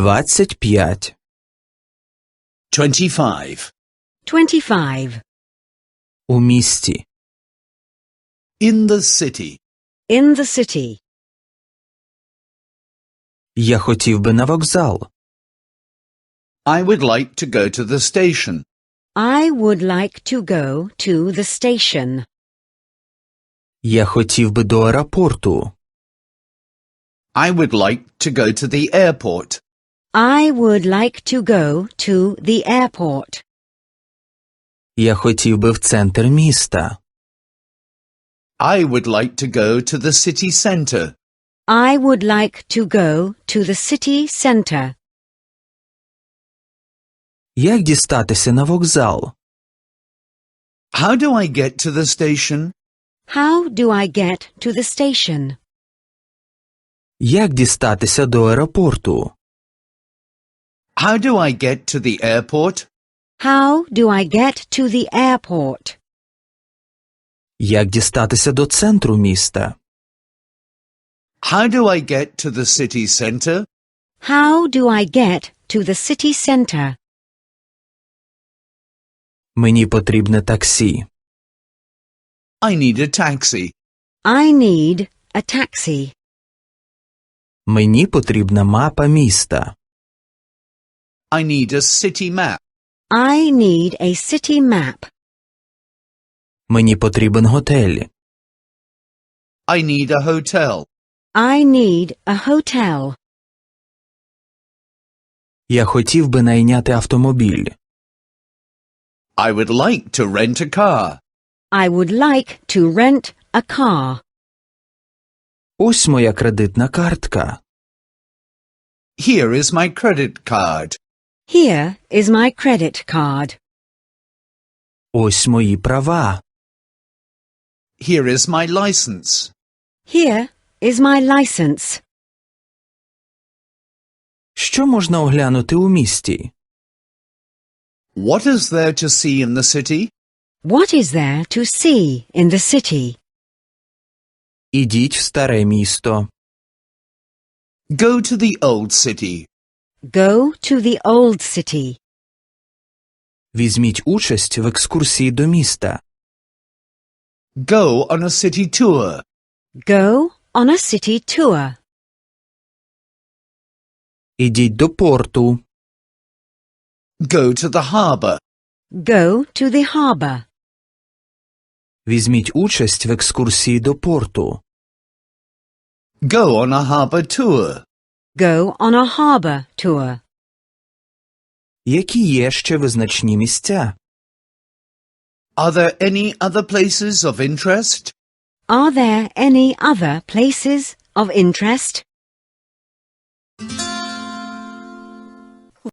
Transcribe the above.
25. 25. 25. У місті. In the city. In the city. Я хотів би на вокзал. I would like to go to the station. I would like to go to the station. Я хотів би до аеропорту. I would like to go to the airport. I would like to go to the airport. Я хотів би в центр міста. I would like to go to the city centre. I would like to go to the city centre. Як дістатися на вокзал? How do I get to the station? How do I get to the station? Як дістатися до аеропорту? How do I get to the airport? How do I get to the airport? Як дістатися до центру міста? How do I get to the city centre? How do I get to the city centre? Мені потрібне таксі. I need a taxi. I need a taxi. Мені потрібна мапа міста. I need a city map. I need a city map. Мені потрібен готель. I need a hotel. I need a hotel. Я хотів би найняти автомобіль. I would like to rent a car. I would like to rent a car. Ось моя кредитна картка. Here is my credit card. Here is my credit card. Ось мої права. Here is my license. Here is my license. Що можна оглянути у місті? What is there to see in the city? What is there to see in the city? Ідіть в старе місто. Go to the old city. Go to the old city. Візьміть участь в екскурсії до міста. Go on a city tour. Go on a city tour. Ідіть до порту. Go to the harbour. Go to the harbour. Візьміть участь в екскурсії до порту. Go on a harbour tour. Go on a harbour tour. Які є ще визначні місця? Are there any other places of interest? Are there any other places of interest?